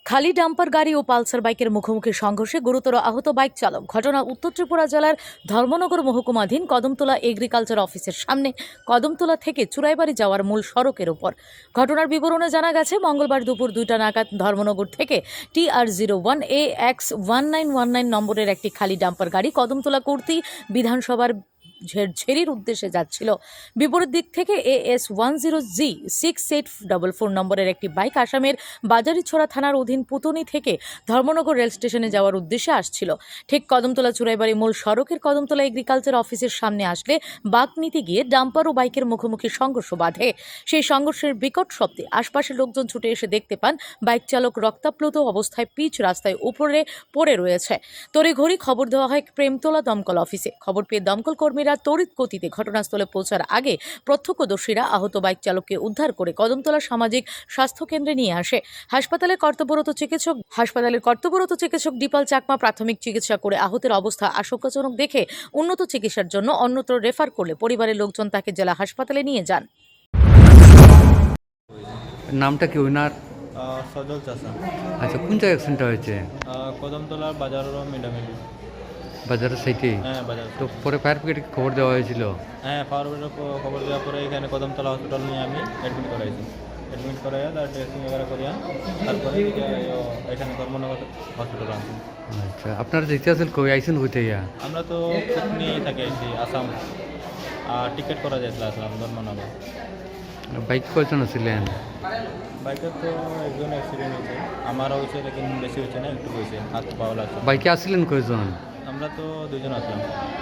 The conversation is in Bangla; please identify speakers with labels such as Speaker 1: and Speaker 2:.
Speaker 1: খালি ডাম্পার গাড়ি ও পালসার বাইকের মুখোমুখি সংঘর্ষে গুরুতর আহত বাইক চালক। ঘটনা উত্তর ত্রিপুরা জেলার ধর্মনগর মহকুমাধীন কদমতলা এগ্রিকালচার অফিসের সামনে কদমতলা থেকে চুরাইবাড়ি যাওয়ার মূল সড়কের উপর। ঘটনার বিবরণে জানা গেছে, মঙ্গলবার দুপুর 2টা নাগাদ ধর্মনগর থেকে TR01AX1919 নম্বরের একটি খালি ডাম্পার গাড়ি কদমতলা কুর্তি বিধানসভার ঝেড়ঝেরির উদ্দেশ্যে যাচ্ছিল। বিপরীত দিক থেকে AS10G6844 নম্বরের একটি বাইক আসামের বাজারিছড়া থানার অধীন পুতনি থেকে ধর্মনগর রেল স্টেশনে যাওয়ার উদ্দেশ্যে আসছিল। ঠিক কদমতলা চুরাইবাড়ি মূল সড়কের কদমতলা এগ্রিকালচার অফিসের সামনে আসলে বাঁক নিতে গিয়ে ডাম্পার ও বাইকের মুখোমুখি সংঘর্ষ বাধে। সেই সংঘর্ষের বিকট শব্দে আশপাশের লোকজন ছুটে এসে দেখতে পান বাইক চালক রক্তাপ্লুত অবস্থায় পিচ রাস্তায় উপরে পড়ে রয়েছে। তড়িঘড়ি খবর দেওয়া হয় প্রেমতলা দমকল অফিসে। খবর পেয়ে দমকল কর্মীরা তড়িৎ গতিতে ঘটনাস্থলে পৌঁছার আগে প্রত্যক্ষদর্শীরা আহত বাইক চালককে উদ্ধার করে কদমতলা সামাজিক স্বাস্থ্য কেন্দ্রে নিয়ে আসে। হাসপাতালের কর্তব্যরত চিকিৎসক দীপাল চাকমা প্রাথমিক চিকিৎসা করে আহতের অবস্থা আশঙ্কাজনক দেখে উন্নত চিকিৎসার জন্য অন্যত্র রেফার করলে পরিবারের লোকজন তাকে জেলা হাসপাতালে নিয়ে যান।
Speaker 2: নামটা কি ওনার?
Speaker 3: সজল চাষা।
Speaker 2: আচ্ছা, কোন জায়গায় অ্যাক্সিডেন্টটা হয়েছে?
Speaker 3: কদমতলার বাজারের মিডামিডি।
Speaker 2: বাজারের সাইডে?
Speaker 3: হ্যাঁ, বাজার।
Speaker 2: তো পরে ফায়ার ব্রিগেডকে খবর দেওয়া হয়েছিল?
Speaker 3: হ্যাঁ, ফায়ার ব্রিগেডের খবর দেওয়ার পরে এখানে কদমতলা হসপিটাল নিয়ে আমি অ্যাডমিট করাইছি। অ্যাডমিট করাইয়া তার ড্রেসিং এগারা করিয়া তারপরে এখানে ধর্মনগর হসপিটাল আনছি।
Speaker 2: আচ্ছা, আপনারা যেতে আসেন কই আইসেন হইতে ইয়া?
Speaker 3: আমরা তো নিয়েই থাকি আইছি আসাম, আর টিকিট করা যাইছিল আসলাম ধর্মনগর।
Speaker 2: বাইক কয়জন ছিলেন?
Speaker 3: বাইকের তো একজন অ্যাক্সিডেন্ট হয়েছে, আমারও হয়েছে, লেকিন বেশি হয়েছে না, একটু হয়েছে, হাত পাওয়া লাগছে।
Speaker 2: বাইকে আসছিলেন কয়জন?
Speaker 3: আমরা তো দুজন আসলাম।